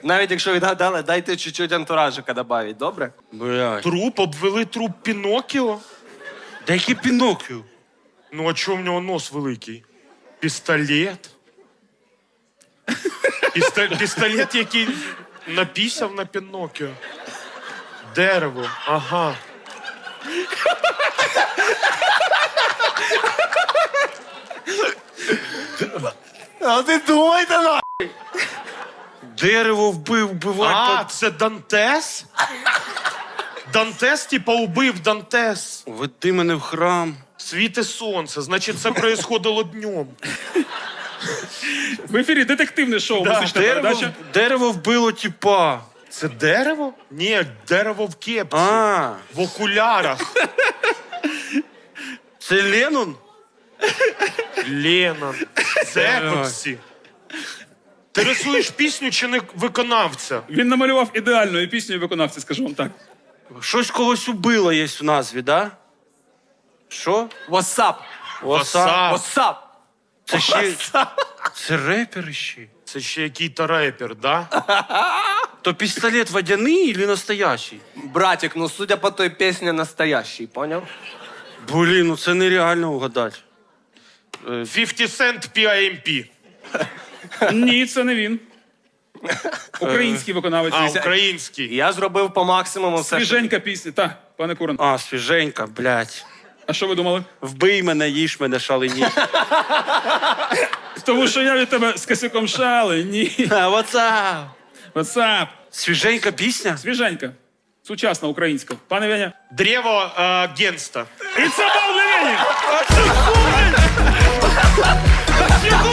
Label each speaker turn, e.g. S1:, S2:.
S1: Навіть якщо відгадали, дайте чуть-чуть антуражика добавить, добре?
S2: Блядь.
S3: Труп, обвели труп Пінокіо?
S2: Да який Піноккіо?
S3: Ну, а чого в нього нос великий? Пістолет? Пістолет, який напісяв на Пінокіо. Дерево, ага.
S1: А ти думайте, на!
S2: Дерево вбивати.
S3: А, це Дантес? Дантес, типа, убив Дантес.
S2: Веди мене в храм.
S3: Світе сонце, значить, це происходило днем.
S4: В ефірі детективне шоу, музична передача.
S2: Дерево вбило тіпа.
S3: Це дерево? Ні, дерево в кепці.
S2: А,
S3: В окулярах.
S2: це Леннон?
S3: Леннон. Цепоксі. Ти рисуєш пісню чи не виконавця?
S4: Він намалював ідеальну пісню і виконавці, скажу вам так.
S2: Щось когось убило є в назві, да? Що?
S1: What's
S3: Васап.
S1: up?
S2: Це ще... Це репер ще.
S3: Це ще який-то репер, да?
S2: То пістолет водяний чи настоящий?
S1: Братик, ну судя по той пісні, настоящий, поняв?
S2: Блін, ну це нереально угадати.
S3: 50 Cent PIMP.
S4: Ні, це не він. Український виконавець.
S3: А, український.
S1: Я зробив по максимуму все.
S4: Свіженька пісня. Так, пане Куран.
S2: А, свіженька, блядь.
S4: А що ви думали?
S2: Вбий мене, їж мене, шалені.
S4: Тому що я від тебе з косяком шали. Ні.
S2: What's
S4: Ватсап.
S2: Свіженька пісня?
S4: Свіженька. Сучасна українська. Пане Веня.
S3: Древо Генста.
S4: І це був Левені!